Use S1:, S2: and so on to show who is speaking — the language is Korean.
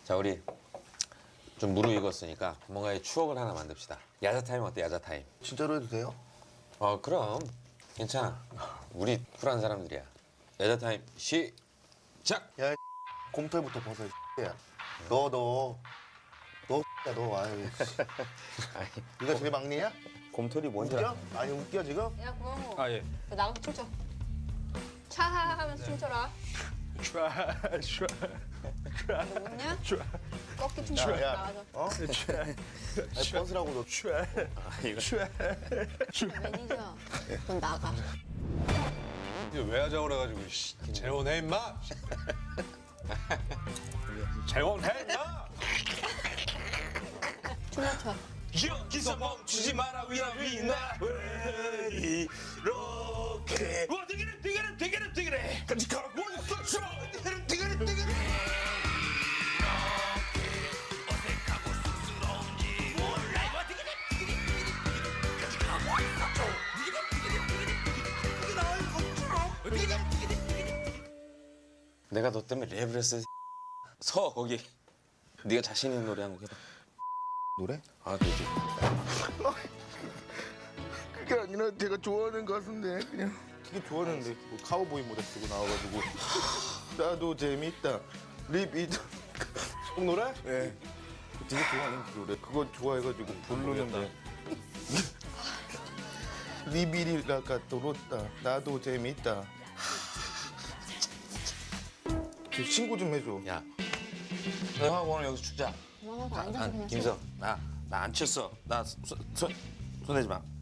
S1: 자, 우리 좀 무르익었으니까 뭔가의 추억을 하나 만듭시다. 야자 타임 어때? 야자 타임.
S2: 진짜로 해도 돼요?
S1: 그럼 괜찮아. 우리 쿨한 사람들이야. 야자 타임 시작.
S2: 야, 이 곰털부터 벗어, 이 야. 너, 아유. 네가 제일 막내야?
S3: 곰털이 뭔지
S2: 웃겨? 아니, 웃겨, 지금?
S4: 야, 고영호.
S3: 아 예.
S4: 나가서 춤춰. 차 하면서 춤춰라. 너 웃냐? 꺾기 춤춰.
S2: 야, 야.
S4: 나가서.
S2: 어? 아니, 벗으라고, 너.
S4: 매니저, 넌 나가.
S5: 이거 왜 하자고 그래가지고 재혼해 임마. 재혼해 임마.
S4: 춤만 춰.
S3: 여기서 멈추지 마라 위나 왜 이렇게 되게래 같이 가라 원서쇼 되게래 어색하고 쑥스러운지 몰라 같이 가라 원서쇼
S1: 내가 너 때문에 랩을 했어. 서 거기. 네가 자신 있는 노래 한 곡 해봐.
S2: 노래?
S1: 아, 되지.
S2: 그게 아니라 제가 좋아하는 가수인데, 그냥. 되게 좋아하는데, 뭐 카우보이 모자 쓰고 나와가지고. 나도 재밌다. 리비드. 꼭 노래? 네. 되게 좋아하는 그 노래. 그거 좋아해가지고 부르는데. 리비리라가 또롯다. 나도 재밌다. 저 신고 좀 해줘.
S1: 야, 너하고 오늘 여기서 죽자.
S4: 그만하고 앉아서 그냥
S1: 김성, 나 안 쳤어. 나 손 내지 마.